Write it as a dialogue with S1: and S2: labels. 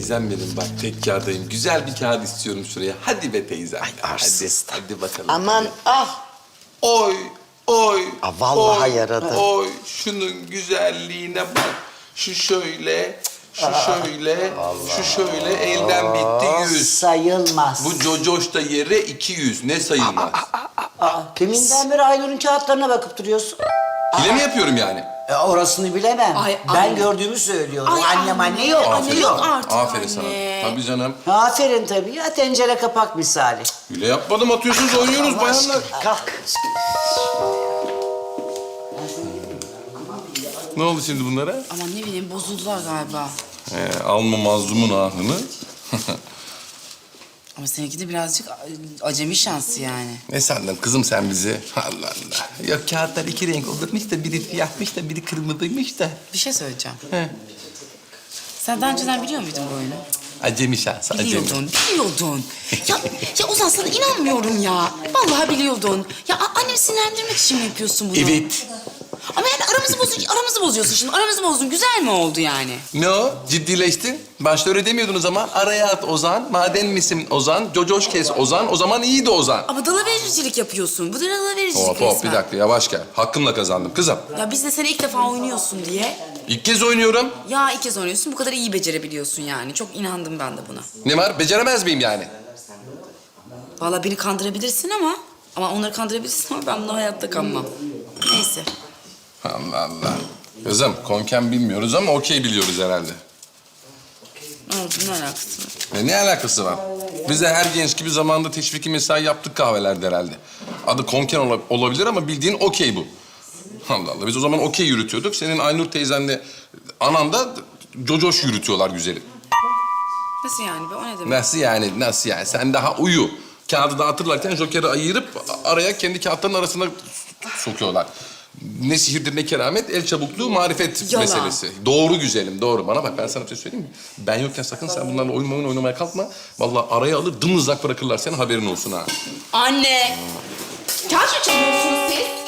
S1: teyzem benim bak tekkârdayım. Güzel bir kağıt istiyorum şuraya. Hadi be teyzem.
S2: Ay, arsız.
S1: Hadi bakalım.
S3: Aman ah.
S1: Oy, oy.
S2: Aa, vallahi
S1: oy,
S2: yaradı.
S1: Oy, şunun güzelliğine bak. Şu şöyle, şu şöyle, şu şöyle elden bitti 100.
S3: Sayılmaz.
S1: Bu cocoş da yere 200. Ne sayılmaz?
S3: Deminden beri Aynur'un kağıtlarına bakıp duruyorsun.
S1: Hile mi yapıyorum yani?
S3: Orasını bilemem.
S4: Ay,
S3: ben
S4: anne.
S3: gördüğümü söylüyorum.
S4: Ay,
S3: Annem
S4: anne.
S3: anne yok.
S4: Anne yok artık
S1: Aferin
S4: anne.
S1: sana. Tabii canım.
S3: Aferin tabii ya, tencere kapak misali.
S1: Hile yapmadım, atıyorsunuz, oynuyoruz bayanlar.
S2: Kalk.
S1: Ne oldu şimdi bunlara?
S4: Aman ne bileyim bozuldular galiba.
S1: Alma mazlumun ahını.
S4: Ama seninki de birazcık acemi şansı yani.
S1: Ne sandın kızım sen bizi? Allah Allah. Ya kağıtlar iki renk olurmuş da biri siyahmış da biri kırmızıymış da.
S4: Bir şey söyleyeceğim.
S1: He.
S4: Sen daha önceden biliyor muydun bu oyunu?
S1: Acemi şansı, acemi.
S4: Biliyordun. Ya Ozan sana inanmıyorum ya. Vallahi biliyordun. Ya annemi sinirlendirmek için mi yapıyorsun bunu?
S1: Evet.
S4: Ama yani aramızı bozuyorsun şimdi. Aramızı bozdun. Güzel mi oldu yani?
S1: Ne o? Ciddileştin. Başta öyle demiyordunuz ama. Araya at Ozan, maden misin Ozan, cocoş kes Ozan, o zaman iyiydi Ozan.
S4: Ama dalavericilik yapıyorsun. Bu da dalavericilik
S1: Hop
S4: resmen.
S1: hop bir dakika yavaş gel. Hakkımla kazandım kızım.
S4: Ya biz de seni ilk defa oynuyorsun diye.
S1: İlk kez oynuyorum.
S4: Ya ilk kez oynuyorsun. Bu kadar iyi becerebiliyorsun yani. Çok inandım ben de buna.
S1: Ne var? Beceremez miyim yani?
S4: Vallahi beni kandırabilirsin ama... Ama onları kandırabilirsin ama ben buna hayatta kanmam. Neyse.
S1: Allah Allah. Kızım konken bilmiyoruz ama okey biliyoruz herhalde.
S4: Ne oldu? Ne alakası var?
S1: Ne alakası var? Biz de her genç gibi zamanında teşviki mesai yaptık kahvelerde herhalde. Adı konken olabilir ama bildiğin okey bu. Allah Allah. Biz o zaman okey yürütüyorduk. Senin Aynur teyzenle anan da cocoş yürütüyorlar güzelim.
S4: Nasıl yani be? O ne demek?
S1: Nasıl yani? Nasıl yani? Sen daha uyu. Kağıdı dağıtırlarken jokeri ayırıp araya kendi kağıtların arasına sokuyorlar. Ne sihirdir ne keramet, el çabukluğu, marifet
S4: Yalan.
S1: meselesi. Doğru güzelim, doğru. Bana bak ben sana bir şey söyleyeyim mi? Ben yokken sakın sen bunlarla oyun oynamaya kalkma. Vallahi araya alır dımdızlak bırakırlar seni, haberin olsun ha.
S4: Anne! Kağıt mı çalıyorsunuz siz?